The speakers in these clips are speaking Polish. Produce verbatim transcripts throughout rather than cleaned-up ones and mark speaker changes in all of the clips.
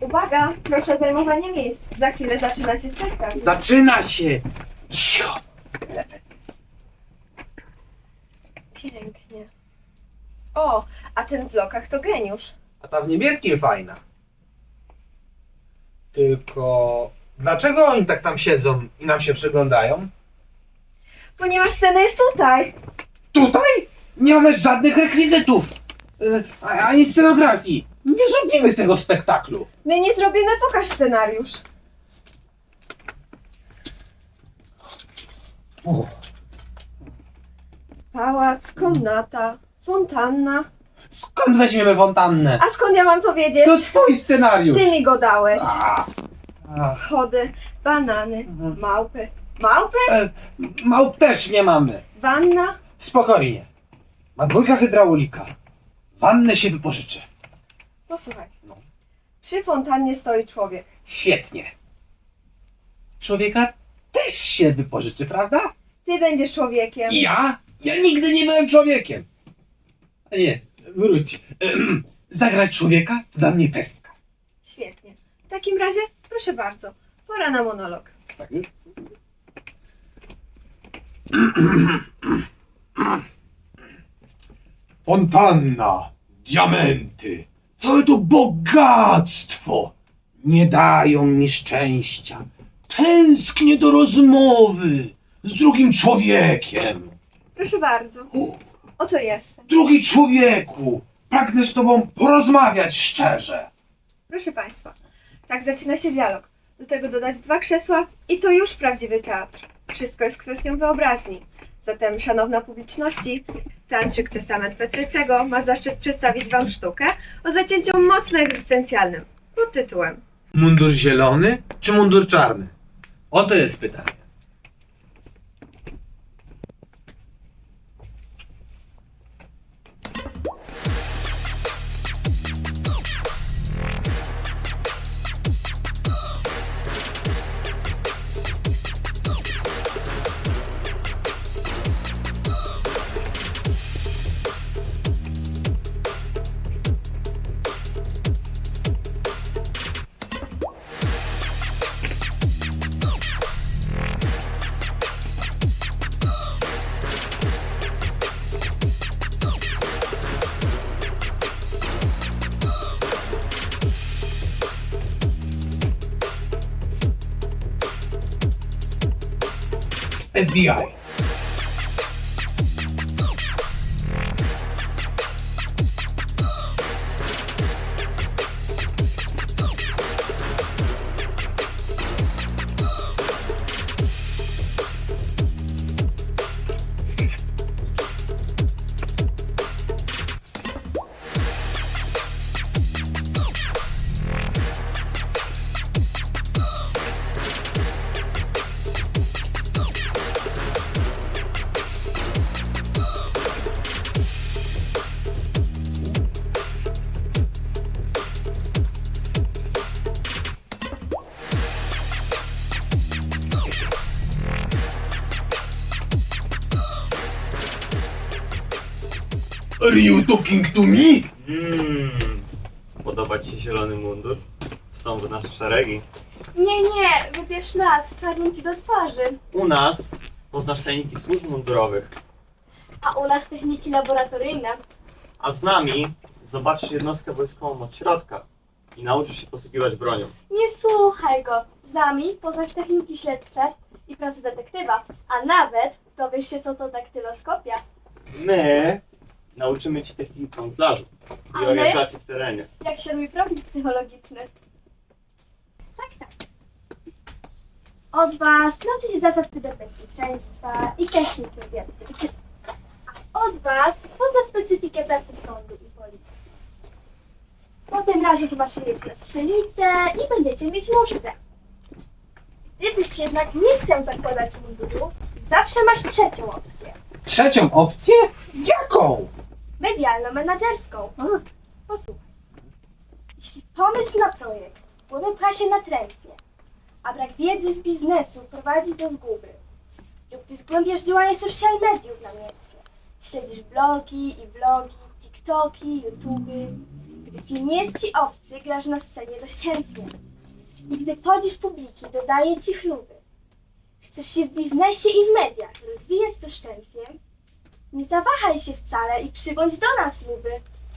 Speaker 1: Uwaga, proszę o zajmowanie miejsc. Za chwilę zaczyna się spektakl.
Speaker 2: Zaczyna się! Cicho!
Speaker 1: Pięknie. O, a ten w lokach to geniusz.
Speaker 2: A ta w niebieskim fajna. Tylko... Dlaczego oni tak tam siedzą i nam się przyglądają?
Speaker 1: Ponieważ scena jest tutaj.
Speaker 2: Tutaj? Nie mamy żadnych rekwizytów! Yy, ani scenografii! Nie zrobimy tego spektaklu!
Speaker 1: My nie zrobimy, pokaż scenariusz.
Speaker 2: O,
Speaker 1: Pałac, komnata, fontanna.
Speaker 2: skąd weźmiemy fontannę?
Speaker 1: A skąd ja mam to wiedzieć?
Speaker 2: To twój scenariusz!
Speaker 1: Ty mi go dałeś.
Speaker 2: A, a,
Speaker 1: Schody, banany,
Speaker 2: Mhm.
Speaker 1: małpy. Małpy?
Speaker 2: e, małp też nie mamy.
Speaker 1: Wanna?
Speaker 2: Spokojnie. Ma dwójka hydraulika. Wannę się wypożyczę.
Speaker 1: Posłuchaj.
Speaker 2: No.
Speaker 1: Przy fontannie stoi człowiek.
Speaker 2: Świetnie. Człowieka też się wypożyczy, prawda?
Speaker 1: Ty będziesz człowiekiem.
Speaker 2: I ja? Ja nigdy nie byłem człowiekiem. A nie, wróć. Ehem, Zagrać człowieka to dla mnie pestka.
Speaker 1: Świetnie. W takim razie, proszę bardzo, pora na monolog.
Speaker 2: Tak już? Fontanna, diamenty, całe to bogactwo nie dają mi szczęścia. Tęsknię do rozmowy z drugim człowiekiem.
Speaker 1: Proszę bardzo,
Speaker 2: O,
Speaker 1: oto jestem.
Speaker 2: drugi człowieku, pragnę z tobą porozmawiać szczerze.
Speaker 1: Proszę Państwa, tak zaczyna się dialog. Do tego dodać dwa krzesła i to już prawdziwy teatr. Wszystko jest kwestią wyobraźni. Zatem, szanowna publiczności, Teatrzyk Testament Petrycego ma zaszczyt przedstawić Wam sztukę o zacięciu mocno egzystencjalnym pod tytułem
Speaker 2: Mundur zielony czy mundur czarny? Oto jest pytanie. F B I. Are you talking to me?
Speaker 3: Mmm, podoba Ci się zielony mundur? Wstąp w nasze szeregi.
Speaker 4: Nie, nie, wybierz nas, wczarnię ci do twarzy.
Speaker 3: U nas poznasz tajniki służb mundurowych,
Speaker 4: A u nas techniki laboratoryjne.
Speaker 3: a z nami zobaczysz jednostkę wojskową od środka i nauczysz się posługiwać bronią.
Speaker 4: Nie słuchaj go. Z nami poznasz techniki śledcze i pracę detektywa, a nawet dowiesz się, co to daktyloskopia.
Speaker 3: My nauczymy Ci techniki kamuflażu
Speaker 4: A
Speaker 3: i
Speaker 4: my?
Speaker 3: orientacji w terenie.
Speaker 4: Jak się robi profil psychologiczny. Tak, tak. Od was nauczy się zasad cyberbezpieczeństwa i technik wywiadu. A od was pozna specyfikę pracy sądu i policji. Potem razem pomaszerujecie na strzelnicę i będziecie mieć musztrę. Gdybyś jednak nie chciał zakładać munduru, zawsze masz trzecią opcję.
Speaker 2: Trzecią opcję? Jaką?
Speaker 4: Medialno-menadżerską. Posłuchaj. Jeśli pomysł na projekt wpływem pcha się natrętnie, a brak wiedzy z biznesu prowadzi do zguby, lub gdy zgłębiasz działanie social mediów namiętnie, śledzisz blogi i vlogi, tiktoki, youtuby, gdy Film nie jest ci obcy, grasz na scenie dość chętnie. I gdy podziw publiki dodaje ci chluby, chcesz się w biznesie i w mediach rozwijać doszczętnie, nie zawahaj się wcale i przybądź do nas, luby.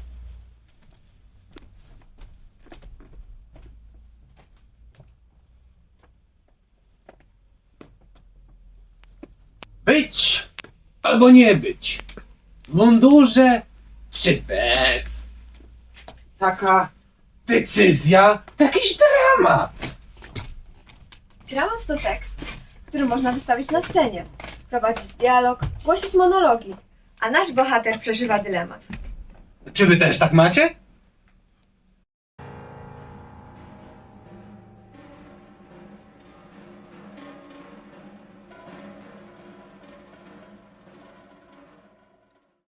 Speaker 2: Być albo nie być. W mundurze czy bez. Taka decyzja to jakiś dramat.
Speaker 1: Dramat to tekst, który można wystawić na scenie, prowadzić dialog, głosić monologi, a nasz bohater przeżywa dylemat.
Speaker 2: Czy wy też tak macie?